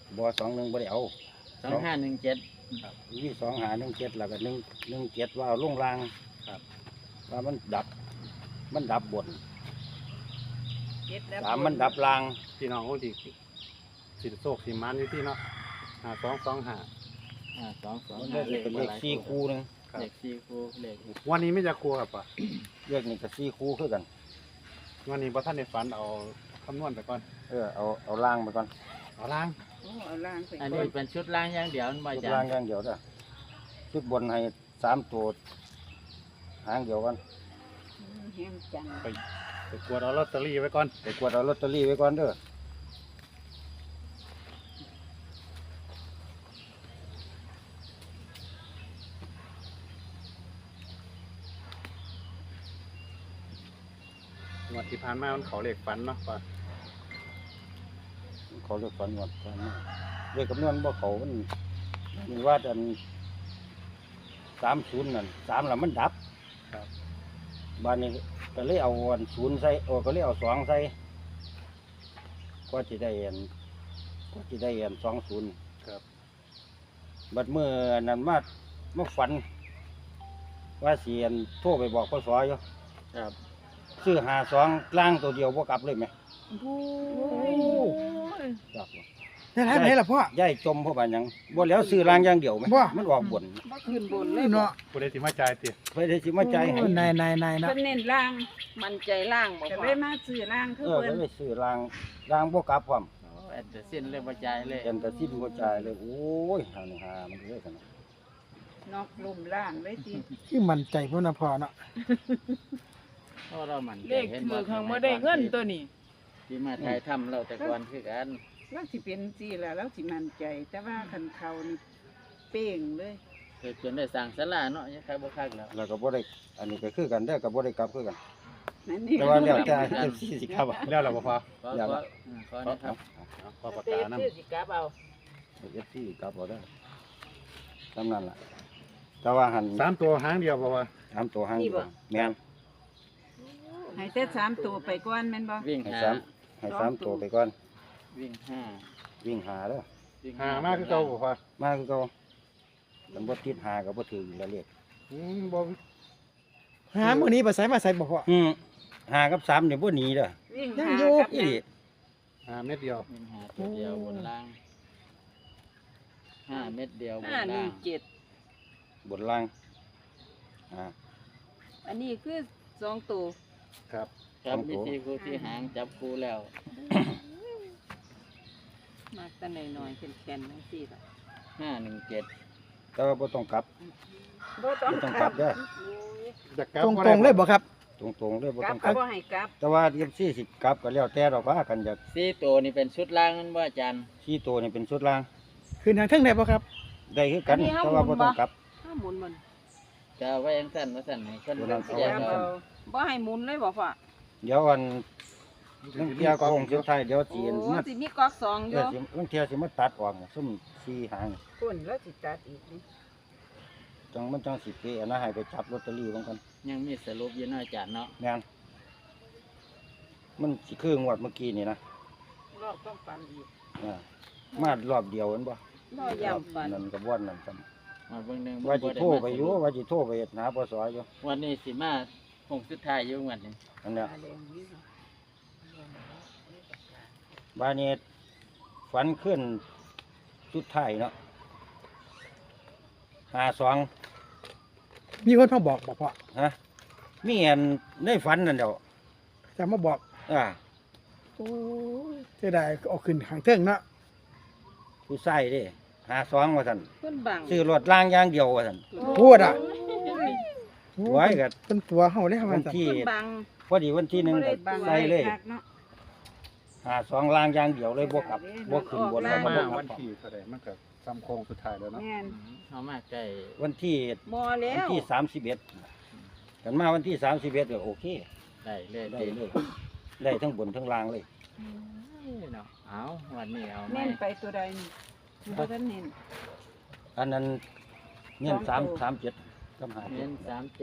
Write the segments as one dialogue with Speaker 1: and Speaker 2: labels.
Speaker 1: บ่21บ่ได้เอา
Speaker 2: 2517
Speaker 3: ครับ
Speaker 1: มี2517แล้วก็117ว่าเอาลงราง
Speaker 3: ครับ
Speaker 1: ว่ามันดับ มันดับบน
Speaker 4: เจ็ดแล้ว
Speaker 1: 3มันดับราง
Speaker 3: พี่น้องคนที่สิโศกสิมันอยู่ที่เนาะ5225
Speaker 1: มันได้เป็นเลข4คู่นึง
Speaker 3: ครับ
Speaker 2: เลข4คู่เลข
Speaker 3: วันนี้ไม่จะครัวครับป่ะ
Speaker 1: เลขนี่ก็4คู่คือกัน
Speaker 3: วันนี้บ่ท่านได้ฝันเอาคำนวณไปก่อน
Speaker 1: เอารางไปก่อน
Speaker 3: เอาล่าง
Speaker 4: โอ้เอาล่างไป
Speaker 2: อัน
Speaker 4: ก่
Speaker 2: นี้
Speaker 4: อน
Speaker 2: เป็นชุดล่างอย่างเดียวมันบ่
Speaker 1: ชุด
Speaker 2: จ้ะ
Speaker 1: รางอย่างเดียวเด้อชุดบนให้3ตัวหางเดียวกัน
Speaker 4: แห้งจัง
Speaker 3: ไปกวดเอาลอตเตอรี่ไว้ก่อน
Speaker 1: ไปกวดเอาลอตเตอรี่ไว้ก่อนเด้อ
Speaker 3: งวดที่ผ่านมามันเขาเลขฝันเนาะป่ะ
Speaker 1: เขาเรียกฝันว่าฝันเรียกคำนวณบ่เขามันว่าอัน30นั่น3แล้วมันดับ
Speaker 3: ครับ
Speaker 1: บ้านนี้ก็เลยเอาอัน0ใส่ก็เลยเอา2ใส่ก็สิได้อัน20
Speaker 3: ครับ
Speaker 1: บัดเมื่อนั้นมาฝัน ว่าสิอันโทรไปบอกพศอยู่
Speaker 2: ครับ
Speaker 1: ซื้อ52ล่างตัวเดียวบ่กลับเลยไหม
Speaker 4: โอ้ย
Speaker 1: ครับ
Speaker 5: ได้ไรไหนล่ะพ่อ
Speaker 1: ย้ายจมเพราะว่าหยังบ่แล้วซื้อล่างอย่างเดียวไหม
Speaker 5: บ่
Speaker 1: มันออกบน
Speaker 4: บ่ขึ้นบนเลย
Speaker 5: เนาะ
Speaker 3: ผู้ใดสิมาจ่ายติ
Speaker 1: ไปได้สิมาจ่ายให้
Speaker 5: นายเนาะ
Speaker 4: เพิ่นเน้นล่าง
Speaker 6: มันใจล่างบอก
Speaker 4: ก็
Speaker 6: ว่า
Speaker 4: เลยมาซื้อล่างคือ
Speaker 1: ก็
Speaker 4: เพิ่น
Speaker 1: เลยซื้อล่างบ่กลับพร้อม
Speaker 2: โอ้แอดเดอร์ซินเลยบ่จ่ายเลย
Speaker 1: เห็นแต่สิ้นบ่จ่ายเลยโอ้ยหานี่หามันเลยกัน
Speaker 4: นอกลุ่มล่างเลยสิ
Speaker 5: คือมั่นใจพุ่นน่ะพ่อเนาะ
Speaker 2: เพราะเรามัน
Speaker 6: เลขถือข้างบ่ได้เงินตัวนี้
Speaker 2: ที่มาถ่ายทำเราแต่ก่อนคือกัน
Speaker 4: แล้วสิเป็นสิล่ะแล้วสิมั่นใจ แต่ว่าคันเขานี่เป้งเลย
Speaker 2: เคยจนได้สั่งศาลาเนาะยังใครบ่คักแล้ว
Speaker 1: แล้วก็บ่ได้อันนี้ก็คือกันเด้อก็บ่ได้กลับคือกัน
Speaker 4: นั่นนี่
Speaker 1: แต่ว่าแล้วแต่สิครับ
Speaker 3: แล้วเราบ่พอ
Speaker 2: ขอ
Speaker 1: อย่า
Speaker 2: ขอ
Speaker 1: ละ
Speaker 2: ขอนะครับ
Speaker 3: เอาขอปากกานํ
Speaker 6: สิกลับเอา
Speaker 1: เอฟซีกลับบ่ได้ตำนั้นล่ะแต่ว่าหัน
Speaker 3: 3ตัวหางเดียวบ่ว่า
Speaker 1: 3ตัวหางเดียวแม่น
Speaker 4: ให้แต่3ตัวไปก่อนแม่นบ่
Speaker 2: วิ่ง
Speaker 1: ให้
Speaker 2: หา
Speaker 1: ให้3ตัวไปก่อน
Speaker 2: วิ่งห้า
Speaker 1: วิ่งหาเด้อ
Speaker 2: วิ่ง
Speaker 3: หามาคือเก่าบ่พอ
Speaker 1: มาคือเก่ามันบ่ติดหาก็บ่ถืออยู่แล้วเลข
Speaker 3: บ่
Speaker 5: หามื้อนี้ไปไสมาไสบ่พ่อ
Speaker 1: หากับ3เนี่ยบ่หนีเด้อ
Speaker 4: วิ่ง
Speaker 5: ยัง
Speaker 4: หา
Speaker 5: อยู่
Speaker 4: กับ
Speaker 1: อีหลี
Speaker 3: หาเม็ดเดียว
Speaker 2: วิ่งหาตัวเดียวบนล่าง5 เม็ดเดียวบน
Speaker 6: 5
Speaker 2: ล่าง
Speaker 6: 1 7
Speaker 1: บนล่างอ่า
Speaker 6: อันนี้คือ2ตัว
Speaker 3: ครับ
Speaker 2: ครับ
Speaker 1: สองตัว
Speaker 2: วิธีครูที่หางจับครูแล้ว
Speaker 6: มากแต่น้อยๆแข็งๆจังซี่ล่ะ
Speaker 2: 517
Speaker 1: แต่ว่าบ่ต้องกลับ
Speaker 4: บ่ต้อง
Speaker 1: บ่ต้อง
Speaker 4: ก
Speaker 1: ก
Speaker 4: ลั
Speaker 1: ลั
Speaker 4: บบ
Speaker 1: เด้อ
Speaker 3: จะกลับ
Speaker 5: ตรง
Speaker 3: บ่
Speaker 5: ต
Speaker 3: ได้
Speaker 5: รงๆเลยบ่ครับ
Speaker 1: ตรงๆเลยบ่
Speaker 4: กลั
Speaker 1: ต้
Speaker 4: บ
Speaker 1: องก
Speaker 4: ก็
Speaker 1: ลับ
Speaker 4: บ่ให้กลับ
Speaker 1: แต่ว่าเอฟซีสิกลับก็แล้วแต่ดอกว่ากันอยาก
Speaker 2: 4ตัวนี่เป็นชุดล่างนั่นบ่อาจารย์
Speaker 1: ชี้ตัวนี่เป็นชุดล่าง
Speaker 5: คืนทางเทิงได้บ่ครับ
Speaker 1: ได้คือกันแต่ว่าบ่ต้องกลับ
Speaker 6: ถ้าหมุนมัน
Speaker 2: จะเอาไว้ยังสั้นว่าสั้นให้คน
Speaker 1: ตัวนั้น
Speaker 2: แยก
Speaker 1: เอาไว้
Speaker 2: เอา
Speaker 6: บ่ให้หมุนเลยบ่พ่อ
Speaker 1: เดี๋ยวอันนังเที่ยโคงสุดท้ายเดี๋ยว
Speaker 6: โอ้
Speaker 1: จีนมา
Speaker 6: สิมีก๊อก2อ
Speaker 1: เดี๋ย
Speaker 6: ยู่
Speaker 1: วสินังเที่ยสิมาตัดออกซุ่มสี่หาง
Speaker 4: คนแล้วสิตัดอีกนี่
Speaker 1: จังมันจังสิเปอันนั้นให้ไปจับลอตเตอรี่บางกัน
Speaker 2: ยังมีสรุปอยู่เนาะอาจารย์เนาะ
Speaker 1: แม่นมันสิคืองวดเมื่อกี้นี่นะ
Speaker 4: รอบต้องปันอีก
Speaker 1: อ่ามารอบเดียวเห็นบ่
Speaker 6: บ่ย่ำฟัน
Speaker 1: นั่นก็บ่อนนั่นซ้
Speaker 2: มาเบิ่งหนึง
Speaker 1: ำว่าสิ
Speaker 2: บ่ด้
Speaker 1: โทรไปอยู่
Speaker 2: มาสรุป
Speaker 1: ว่าสิโทรไปหาปสอยู่
Speaker 2: วันนี้สิมาคงสุดท้ายอยู่วันนี้
Speaker 1: อันเนี้ย
Speaker 4: ตาแดงนี่เนาะ
Speaker 1: บ้านนี้ฝันขึ้นสุดท้ายเนาะ52
Speaker 5: มีคนมาบอกบ่พ่อ
Speaker 1: ฮะมีอันในฝันนั่นเดียว
Speaker 5: จะมาบอก
Speaker 1: อ่า
Speaker 5: โอ้ยเสียดายเอาขึ้นทางเทิงเนาะ
Speaker 1: ผู้ใส่เด้52ว่าซั่น
Speaker 6: เพิ่นบัง
Speaker 1: ซื้อรถล่างอย่างเดียวว่าซั่น
Speaker 5: พูดอ่ะ
Speaker 1: ไว้ก็
Speaker 5: เป็นตัวเฮาเลยครับ
Speaker 1: วั
Speaker 5: ว่าน ซั่น
Speaker 1: ที่
Speaker 6: เพิ่นบัง
Speaker 1: พอดีวันที่หนึ่ง
Speaker 4: บ่ได้
Speaker 1: ก็
Speaker 4: บัง
Speaker 1: ใส่เลย
Speaker 4: คักเนาะ
Speaker 1: 52ล่างอย่างเดียวเลยบ่กลับบ่ขึ้นบนแล้วก็
Speaker 3: มา
Speaker 1: บ่กลั
Speaker 3: วั
Speaker 1: บ
Speaker 3: นที่เท่าใดมันก็ซ้ำโค้งสุดท้ายแล้วเนาะ
Speaker 4: แม่น
Speaker 2: เอามาใกล้
Speaker 1: วันที่
Speaker 6: บ่แล้
Speaker 1: วัน
Speaker 6: ว
Speaker 1: ที่31กันมาวันที่31ก็โอเค
Speaker 2: ได้เลย
Speaker 1: ได้เลยได้ทั้งบนทั้งล่างเลย
Speaker 2: เนาะเอาวันนี้เอาไหม
Speaker 4: เน้นไปตัวใดนี่บ่ทันเน้น
Speaker 1: อันนั้นเงิน
Speaker 4: สองตัว
Speaker 1: 337กับ
Speaker 2: เน้น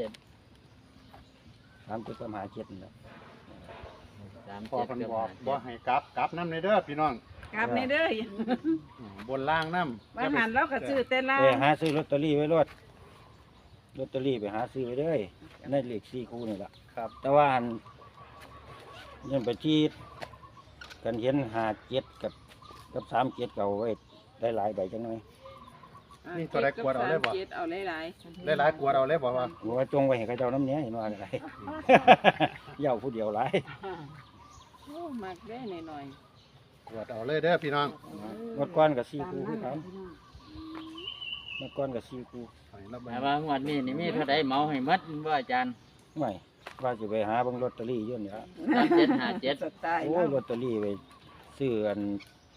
Speaker 1: 57 37กับ57นี่แหละ
Speaker 3: พอ
Speaker 2: 37
Speaker 3: เพิ่น
Speaker 2: กับ
Speaker 3: บอกบ่
Speaker 2: 57
Speaker 3: ให้กลับนำในเด้อพี่น้อง
Speaker 4: กลับในเด้อบ
Speaker 3: นล่างน้ำ
Speaker 4: บางหันเราก็ซื้อแต่ล่า
Speaker 1: ไป
Speaker 4: ง
Speaker 1: หาซื้อลอตเตอรี่ไว้รถลอตเตอรี่ไปหาซื้อไว้เลยในเลข4คู่นี่ล่ะ
Speaker 3: ครับ
Speaker 1: แต่ว่าอันยังไปที่กันเห็น57กับ37เก่าไว้ได้หลายใบจังหน่อย
Speaker 3: นี่ตัวใดกวดเอาได้บ่
Speaker 6: 7เอาหลาย
Speaker 3: ได้หลายกวดเอาเลยบอกว่า
Speaker 1: บอกว่าจงไว้ให้เขาเจ้าน้ำเนี้ยเห็นว่าอะไร เหย้าผู้เดียวหลาย
Speaker 6: ๆโอ้มักได้หน่อย
Speaker 3: กวดเอาเลยเด้อพี่น้อง
Speaker 1: งวดก้อนกับ4คู่คือกันงวดก้อนกับ4คู่
Speaker 3: ให้รับ
Speaker 2: แต่ว่างวดนี้นี่มีเท่าใดเหมาให้หมดบ่อาจารย์
Speaker 1: ไม่ว่าจะไปหาเบิ่งลอตเตอรี่อยู่นี่ละ
Speaker 2: 3757
Speaker 4: สไตล์
Speaker 1: โอ้
Speaker 4: เรา
Speaker 1: ลอตเตอรี่ไปซื้ออัน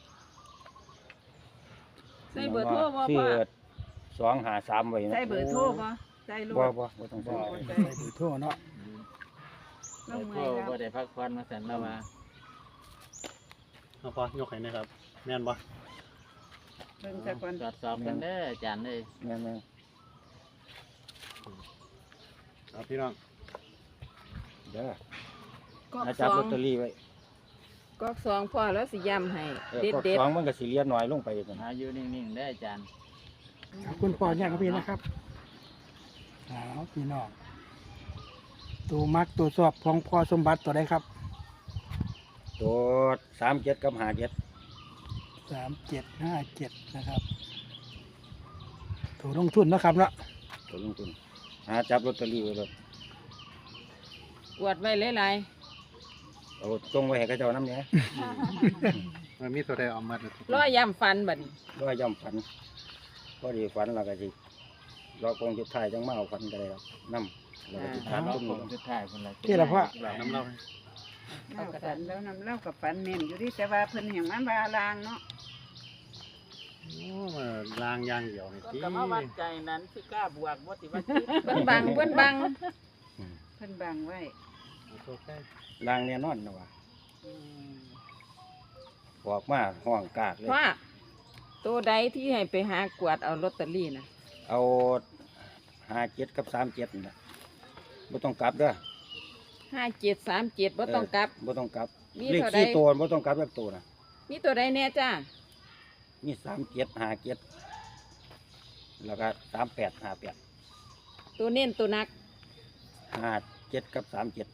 Speaker 6: ๆใส่เบอร์โทรบ่
Speaker 1: ซื้อ
Speaker 6: พ่อ
Speaker 1: 253ไว้นะ
Speaker 4: ใส่เบอร์โทรบ่ใส่ร
Speaker 1: บ่
Speaker 4: ถ
Speaker 1: บ่ต้องใส่
Speaker 5: ใส่เบอร์โทรเนาะ
Speaker 4: เรา
Speaker 2: โท
Speaker 4: เมื่อยแล้ว
Speaker 2: บ่ได้พักผ่อนมาสั่นแล้วว่า
Speaker 3: เอาพอยกให้นะครับ แม่นบ่
Speaker 4: เบิ่งซะก่อน
Speaker 2: ตรวจสอบกันเด้ออาจารย์เอ้ย
Speaker 1: แม่น
Speaker 3: เอาพี่น้อง
Speaker 1: ๆเด้อก
Speaker 6: อก
Speaker 1: อา
Speaker 6: ส
Speaker 1: จับ
Speaker 6: อ
Speaker 1: ลอง ตเตอรี่ไว้
Speaker 6: กอกสองพ่อแล้วสิย้ำให้
Speaker 1: ก็
Speaker 6: เด็ด
Speaker 1: สองมันก็สิเหลียน้อยลงไปกัน
Speaker 2: หาอยู่นิ่งๆเด้ออาจารย์
Speaker 5: ขอบคุณพ่อเนี่ยครับพี่นะครับเอาพี่น้องตัวมักตัวสอบของพ่อสมบัติตัวใดครับ
Speaker 1: ตัว37กับ57
Speaker 5: 3757นะครับตัวลงทุนนะครับเนาะ
Speaker 1: ตัวลงทุนหาจับลอตเตอรี่ไว้เลย
Speaker 6: ๆกวดไว้หลาย
Speaker 1: เอาจงไว้ให้เขาเจ้าน้ำเนี้ย
Speaker 3: มันมีตัวใดเอามาเลย
Speaker 6: ๆร้อยย้ำฟันบัดนี้
Speaker 1: ร้อยย่ำฝันพอดีฝันแล้วก็สิรอคงจุดท้ายจังมาเอาฝันก็ได้ครับน้ำแล้วก็สิถาม
Speaker 2: รอ
Speaker 1: ตุ้ม
Speaker 2: ผลสุดท้ายพุ่นล่ะ
Speaker 5: ที่ละพ่อ
Speaker 3: หลับน้ำเล่าให้
Speaker 4: เราก็ฝันแล้วนำเล่ากับฝันแม่นอยู่ดิแต่ว่าเพิ่นแห่งมันบาลางเนาะ
Speaker 3: โอ้ลางอย่างเดียวนี่ติ
Speaker 6: นั้นสิกล้าบวกบ่สิว่าเพิ่นบังเพิ่นบัง
Speaker 4: เพิ่นบังไว้
Speaker 3: เอาตัวใกล้
Speaker 1: ลางแน่นอนนะว่าออกมาห้องกากเลย
Speaker 6: ว่าตัวใดที่ให้ไปหากวดเอาลอตเตอรี่น่ะ
Speaker 1: เอา57กับ37นี่นะบ่ต้องกลับเด้อ
Speaker 6: 5737บ่ต้องกลับ
Speaker 1: บ่ต้องกลับ
Speaker 6: มี
Speaker 1: เลข
Speaker 6: เท่าใด
Speaker 1: 4ตัวบ่ต้องกลับจักตัวนะ
Speaker 6: มีตัวใดแน่จ้า
Speaker 1: มี37 57แล้วก็38 58
Speaker 6: ตัวเน้นตัวนัก
Speaker 1: 57กับ37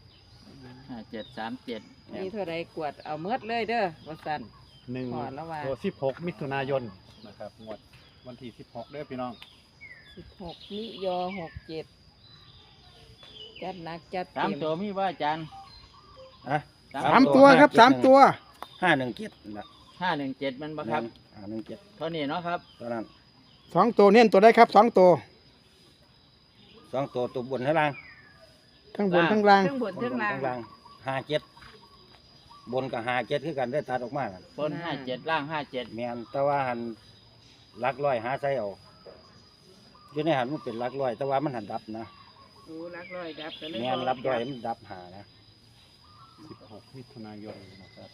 Speaker 2: 5737
Speaker 6: มีเท่าใดกวดเอาเมดเลยเด้อว่าซั่น
Speaker 3: หนึ่ง
Speaker 6: พอแล้วว่า
Speaker 3: ตัว16 มิถุนายนนะครับงวดวันที่16เด้อพี่น้อง
Speaker 6: 16มิยอ67จัดหนักจัด
Speaker 2: สาม
Speaker 6: เต็ม
Speaker 2: ตัวมีบ่อาจารย์
Speaker 1: อะ
Speaker 5: สามตัวครับ3ตัว
Speaker 1: 517นะ
Speaker 2: 517มันบ่ครับ
Speaker 1: 517
Speaker 2: เท่านี้เนาะครับ
Speaker 1: ตอนนั้น
Speaker 5: 2ตัวเน้นตัวใดครับ2ตัว
Speaker 1: 2ตัวบนข้างล่าง
Speaker 5: ทั้งบนทั้งล่าง
Speaker 4: เครื่องบนเครื่องล่าง
Speaker 1: ข้างล่าง57บนกับ57คือกันได้ตัดออกมากัน
Speaker 2: บน57ล่าง57
Speaker 1: แม่นแต่ว่าหันหลักร้อยหาใส่เอาอยู่ในหันมันเป็นหลักร้อย แต่ว่ามันหันดับนะ
Speaker 4: โอ้รักร้อยดับก็เลย
Speaker 1: แม่นรับร้อยมันดับหานะ
Speaker 3: 16 มิถุนายนนะครับ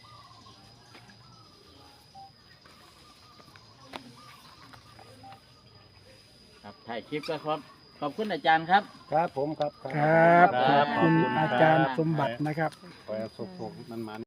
Speaker 2: ครับถ่ายคลิปก็ครับขอบคุณอาจารย์ครับ
Speaker 1: ครับผมครับ
Speaker 5: ครับขอบคุณอาจารย์สมบัตินะครับ
Speaker 3: ขอให้สุขๆมัน